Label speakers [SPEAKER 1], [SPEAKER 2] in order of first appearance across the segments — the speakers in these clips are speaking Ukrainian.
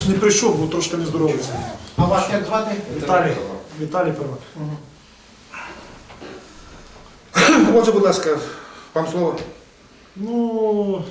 [SPEAKER 1] Не прийшов, бо трошки нездоровий.
[SPEAKER 2] А вас як звати?
[SPEAKER 1] Віталій Первак.
[SPEAKER 2] Отже, будь ласка, вам слово.
[SPEAKER 1] Ну,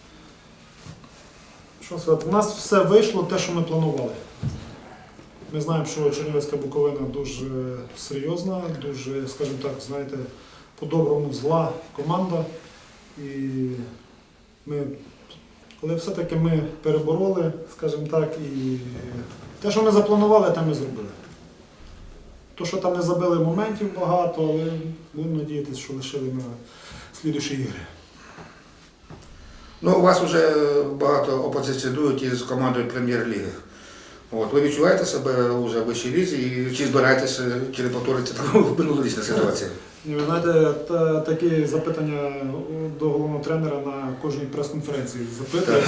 [SPEAKER 1] що сказати, у нас все вийшло те, що ми планували. Ми знаємо, що Чернівецька Буковина дуже серйозна, дуже, скажімо так, знаєте, по-доброму зла команда. І ми, коли все-таки ми перебороли, скажімо так, і те, що ми запланували, те ми зробили. То, що там не забили моментів багато, але будемо надіятися, що лишили на слідчі ігри.
[SPEAKER 2] Ну, у вас вже багато опозиціонують із командою прем'єр-ліги. От, ви відчуваєте себе вже в вищій лізі і чи збираєтеся, чи не повториться така минулорічна ситуація?
[SPEAKER 1] І ви знаєте, такі запитання до головного тренера на кожній прес-конференції запитують.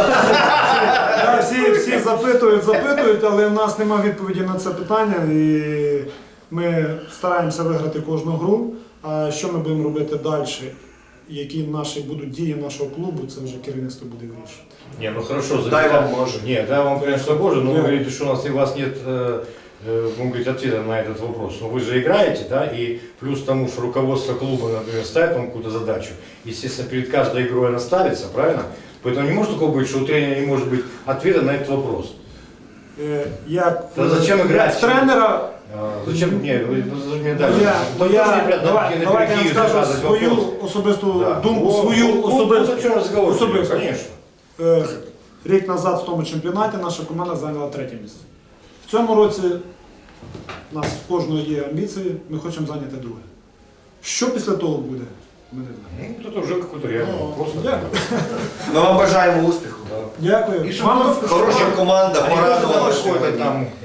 [SPEAKER 1] Всі запитують, але в нас немає відповіді на це питання. І ми стараємося виграти кожну гру. А що ми будемо робити далі? Які наші будуть дії нашого клубу, це вже керівництво буде вирішувати.
[SPEAKER 3] Не, ну хорошо,
[SPEAKER 4] Дай вам Боже.
[SPEAKER 3] Не, дай вам, конечно, Боже, но вы говорите, что у вас нет, может быть, ответа на этот вопрос. Но вы же играете, да, и плюс к тому, что руководство клуба, например, ставит вам какую-то задачу, естественно, перед каждой игрой она ставится, правильно? Поэтому не может такого быть, что у тренера не может быть ответа на этот вопрос.
[SPEAKER 1] Як
[SPEAKER 3] Та зачем играть?
[SPEAKER 1] тренера,
[SPEAKER 3] Зачем? Не, вы должны мне дать.
[SPEAKER 1] давайте я скажу свою особисту думку, свою особисту.
[SPEAKER 3] Конечно.
[SPEAKER 1] Рік назад в тому чемпіонаті наша команда зайняла 3-е місце. В цьому році у нас в кожного є амбіції, ми хочемо зайняти 2-е. Що після того буде, ми не знаємо.
[SPEAKER 3] Ну, это уже какой-то реальный вопрос.
[SPEAKER 1] Дякую.
[SPEAKER 4] Ми вам бажаємо успіху.
[SPEAKER 1] Дякую.
[SPEAKER 2] І щоб
[SPEAKER 1] Вам
[SPEAKER 4] Хороша команда,
[SPEAKER 3] А не
[SPEAKER 4] порадувала
[SPEAKER 3] какой-то
[SPEAKER 4] сьогодні.
[SPEAKER 3] там